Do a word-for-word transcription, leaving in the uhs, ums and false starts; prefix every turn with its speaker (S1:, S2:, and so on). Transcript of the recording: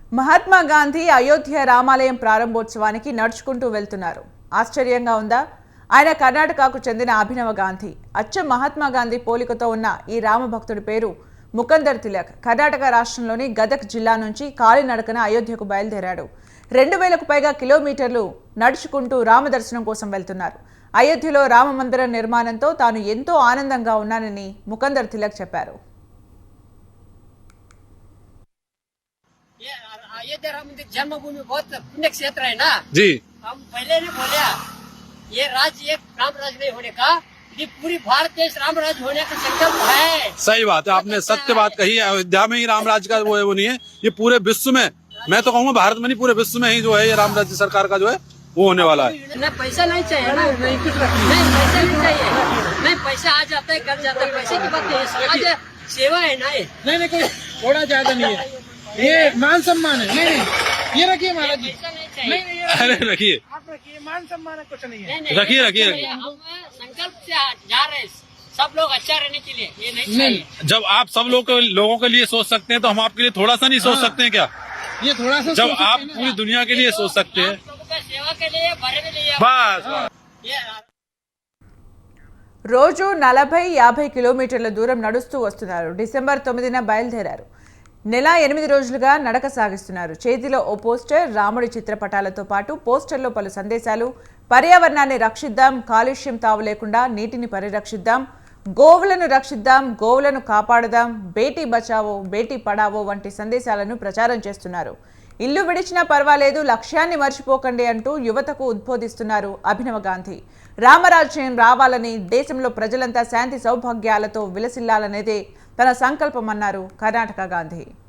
S1: మహాత్మా గాంధీ అయోధ్య రామాలయం ప్రారంభోత్సవానికి నడుచుకుంటూ వెళ్తున్నారు. ఆశ్చర్యంగా ఉందా? ఆయన కర్ణాటకకు చెందిన అభినవ గాంధీ. అచ్చం మహాత్మా గాంధీ పోలికతో ఉన్న ఈ రామభక్తుడి పేరు ముకందర్ తిలక్. కర్ణాటక రాష్ట్రంలోని గదక్ జిల్లా నుంచి కాలినడకన అయోధ్యకు బయలుదేరాడు. రెండు వేలకు పైగా కిలోమీటర్లు నడుచుకుంటూ రామదర్శనం కోసం వెళ్తున్నారు. అయోధ్యలో రామ మందిర నిర్మాణంతో తాను ఎంతో ఆనందంగా ఉన్నానని ముకందర్ తిలక్ చెప్పారు.
S2: अयोध्या राम मंदिर जन्मभूमि बहुत पुण्य क्षेत्र है ना
S3: जी।
S2: हम पहले ने बोले ये राज्य एक राम राज्य नहीं होने का, ये पूरी भारत देश राम राज्य होने का संकल्प है।
S3: सही बात है, आपने सत्य बात कही है। अयोध्या में ही राम राज्य का वो है, वो नहीं है, ये पूरे विश्व में, मैं तो कहूँगा भारत में नहीं पूरे विश्व में ही जो है ये राम राज्य सरकार का जो है वो होने वाला है।
S2: नहीं पैसा नहीं चाहिए ना, नहीं पैसा नहीं चाहिए, नहीं पैसा आ जाता है कर जाता है, पैसे की बात नहीं है, समाज सेवा है ना।
S4: नहीं नहीं कोई थोड़ा ज्यादा नहीं है, ये मान सम्मान है। नहीं नहीं ये रखिए महाराज जी,
S2: पैसा नहीं चाहिए,
S3: अरे रखिए
S4: आप रखिए, मान सम्मान है, कुछ नहीं है।
S3: रखिए रखिए रखिए।
S2: हम संकल्प से जा रहे हैं सब लोग अच्छा रहने के लिए, ये नहीं चाहिए।
S3: जब आप सब लोग लोगों के लिए सोच सकते हैं तो हम आपके लिए थोड़ा सा नहीं सोच सकते हैं क्या?
S4: ये थोड़ा सा
S3: जब
S4: सोच
S3: आप
S4: सकते हैं
S3: पूरी
S4: ना।
S3: दुनिया के लिए सोच सकते हैं,
S2: आप लोगों का सेवा के लिए भरे के लिए
S3: बस
S2: ये
S1: రోజు నలభై యాభై కిలోమీటర్ల దూరం నడుస్తూ వస్తున్నారు. డిసెంబర్ తొమ్మిదిన బయలుదేరారు. నెల ఎనిమిది రోజులుగా నడక సాగిస్తున్నారు. చేతిలో ఓ పోస్టర్, రాముడి చిత్రపటాలతో పాటు పోస్టర్లో పలు సందేశాలు. పర్యావరణాన్ని రక్షిద్దాం, కాలుష్యం తావు లేకుండా నీటిని పరిరక్షిద్దాం, గోవులను రక్షిద్దాం, గోవులను కాపాడదాం, బేటీ బచావో బేటీ పడావో వంటి సందేశాలను ప్రచారం చేస్తున్నారు. ఇల్లు విడిచినా పర్వాలేదు, లక్ష్యాన్ని మర్చిపోకండి అంటూ యువతకు ఉద్బోధిస్తున్నారు అభినవ గాంధీ. రామరాజ్యం రావాలని, దేశంలో ప్రజలంతా శాంతి సౌభాగ్యాలతో విలసిల్లాలనేదే తన సంకల్పమన్నారు కర్ణాటక గాంధీ.